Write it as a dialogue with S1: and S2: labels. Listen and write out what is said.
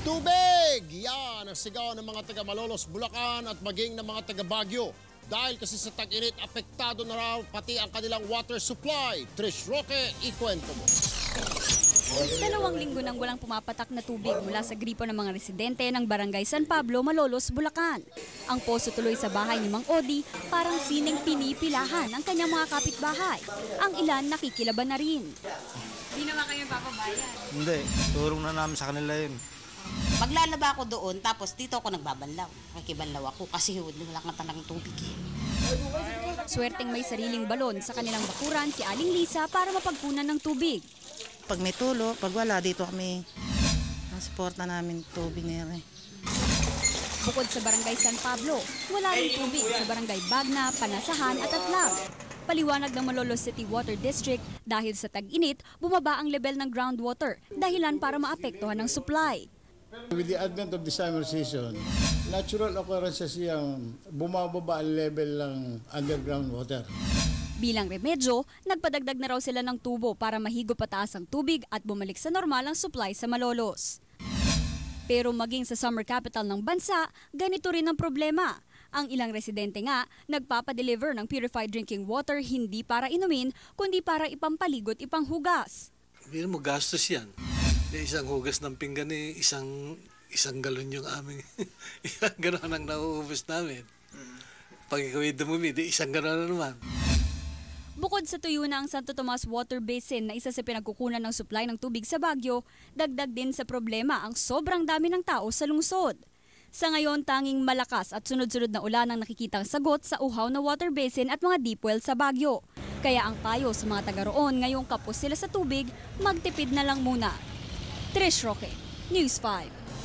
S1: Tubig! Yan ang sigaw ng mga taga Malolos, Bulacan at maging ng mga taga Baguio. Dahil kasi sa tag-init, apektado na raw pati ang kanilang water supply. Trish Roque, ikwento mo.
S2: 2 linggo nang walang pumapatak na tubig mula sa gripo ng mga residente ng Barangay San Pablo, Malolos, Bulacan. Ang poso tuloy sa bahay ni Mang Odi parang sining pinipilahan ang kanyang mga kapitbahay. Ang ilan nakikilaban na rin. Di naman kayo papabayan?
S3: Hindi, turong na namin sa kanila yun.
S4: Maglalaba ako doon, tapos dito ako nagbabanlaw. Nakikibanlaw ako kasi wala kang talagang tubig.
S2: Swerteng may sariling balon sa kanilang bakuran si Aling Lisa para mapagkunan ng tubig.
S5: Pag may tulo, pag wala, dito kami nasuporta namin tubig nila.
S2: Bukod sa Barangay San Pablo, wala rin tubig sa Barangay Bagna, Panasahan at Atlag. Paliwanag ng Malolos City Water District, dahil sa tag-init, bumaba ang level ng groundwater, dahilan para maapektuhan ng supply.
S6: With the advent of the summer season, natural occurrences yung bumababa ang level ng underground water.
S2: Bilang remedyo, nagpadagdag na raw sila ng tubo para mahigo pataas ang tubig at bumalik sa normal ang supply sa Malolos. Pero maging sa summer capital ng bansa, ganito rin ang problema. Ang ilang residente nga, nagpapadeliver ng purified drinking water hindi para inumin, kundi para ipampaligot ipanghugas.
S7: Hindi mo gastos yan. Isang hugas ng pinggan isang galon yung aming, isang galon ang nauubos namin. Pag ikaw ay dumumi, isang galon na naman.
S2: Bukod sa tuyo na ang Santo Tomas Water Basin na isa sa pinagkukunan ng supply ng tubig sa Baguio, dagdag din sa problema ang sobrang dami ng tao sa lungsod. Sa ngayon, tanging malakas at sunod-sunod na ulan ang nakikitang sagot sa uhaw na water basin at mga deep well sa Baguio. Kaya ang payo sa mga taga roon ngayong kapos sila sa tubig, magtipid na lang muna. Trish Roque, News 5.